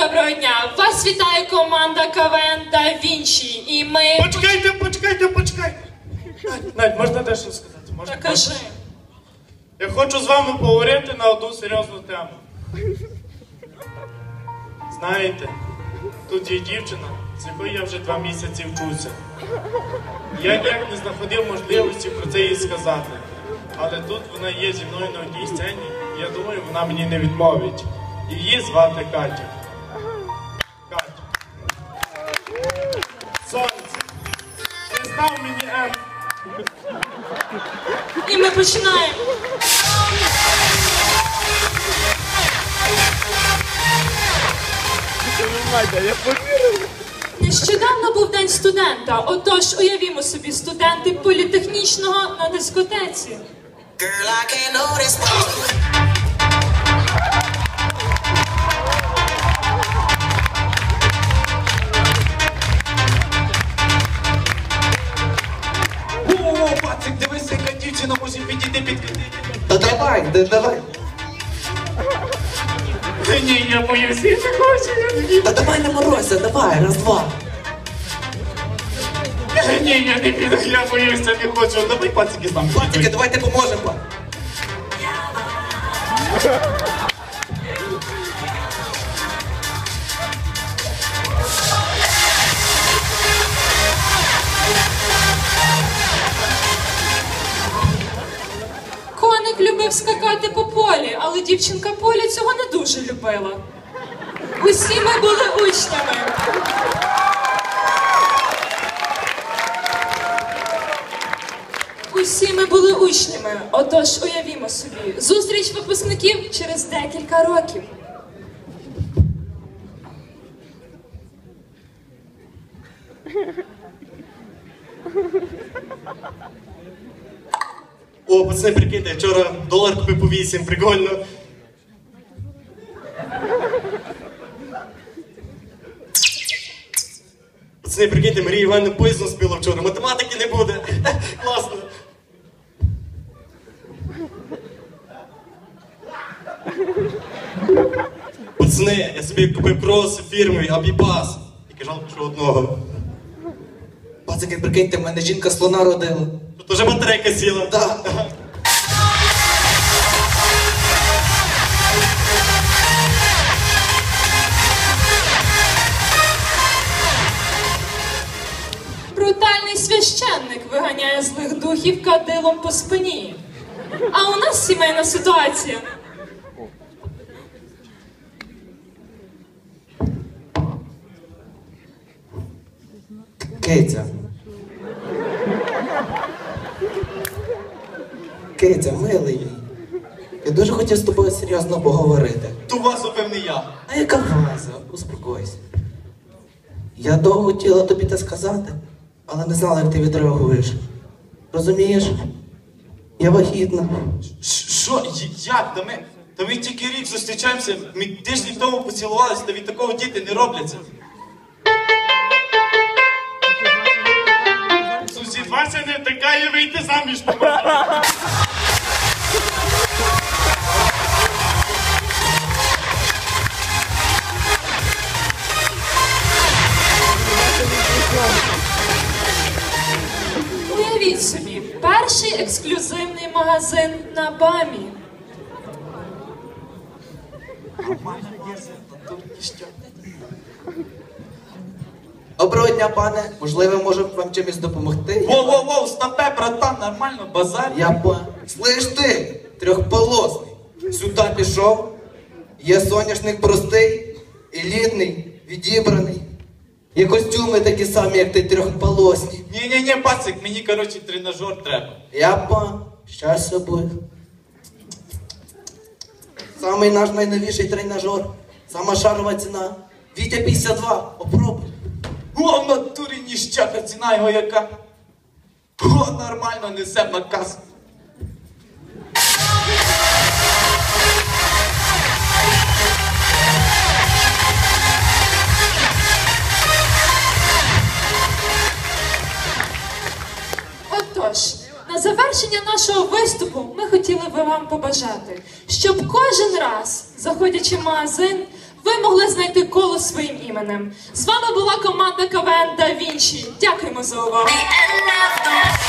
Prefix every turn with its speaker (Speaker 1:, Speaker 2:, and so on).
Speaker 1: доброго дня! Вас вітає команда КВН Да Вінчі. І ми...
Speaker 2: Почекайте! Надь, можна дещо сказати? Можна?
Speaker 1: Так кажи.
Speaker 2: Я хочу з вами поговорити на одну серйозну тему. Знаєте, тут є дівчина, з якою я вже 2 місяці вчуся. Я ніяк не знаходив можливості про це їй сказати. Але тут вона є зі мною на одній сцені, і я думаю, вона мені не відмовить. Її звати Катя. Катя. Сонце. Не став мені М.
Speaker 1: І ми починаємо. Нещодавно був день студента, отож уявімо собі студенти політехнічного на дискотеці.
Speaker 3: О, пацик, дивися, яка дівчина може підійти підкатити.
Speaker 4: Та давай.
Speaker 2: Ні, я боюсь, я не хочу.
Speaker 4: Та давай не морозься, давай, раз-два.
Speaker 2: Ні, я не піду, я боюся, не хочу. Давай пацики з нами.
Speaker 4: Тільки давайте поможемо.
Speaker 1: Коник любив скакати по полі, але дівчинка Поля цього не дуже любила. Усі ми були учнями. Усі ми були учнями, отож уявімо собі, зустріч випускників через декілька років.
Speaker 4: О, пацани, прикиньте, вчора долар купив по 8, прикольно. Пацани, прикиньте, Марія Івановна поїздом спіла вчора, математики не буде. Класно. Пацани, я собі купив крос фірмовий, Абібас. Тільки жалко, що одного. Пацики, прикиньте, в мене жінка слона родила. Тут уже батарейка сіла. Да.
Speaker 1: Брутальний священник виганяє злих духів кадилом по спині. А у нас сімейна ситуація.
Speaker 4: Киця, милий мій. Я дуже хотів з тобою серйозно поговорити.
Speaker 3: Ту вазу, певний я.
Speaker 4: А яка ваза? Успокойся. Я довго хотіла тобі це сказати, але не знала, як ти відреагуєш. Розумієш? Я вагітна.
Speaker 3: Що? Як? Та ми тільки рік зустрічаємося, ми тиждень тому поцілувалися, та від такого діти не робляться.
Speaker 2: Сусід Вася не втикає, вийти заміж.
Speaker 1: Уявіть собі, перший ексклюзивний магазин на БАМі.
Speaker 4: Доброго дня, пане. Можливо, можемо вам чимось допомогти?
Speaker 3: Воу, стопе, братан, нормально, базар.
Speaker 4: Слиш ти, трьохполосний. Сюди пішов. Є соняшник простий, елітний, відібраний. Є костюми такі самі, як ти, трьохполосні.
Speaker 3: Ні, пацик, мені, коротше, тренажер треба.
Speaker 4: Щастя буде. Самий наш найновіший тренажер. Сама шарова ціна. Вітя 52. Попробуй.
Speaker 3: О, в натурі ніщака, ціна його яка. О, нормально, несем на касу.
Speaker 1: Отож, на завершення нашого виступу ми хотіли би вам побажати, щоб кожен раз, заходячи в магазин, ви могли знайти коло голос своїм іменем. З вами була команда КВН Да Вінчі. Дякуємо за увагу.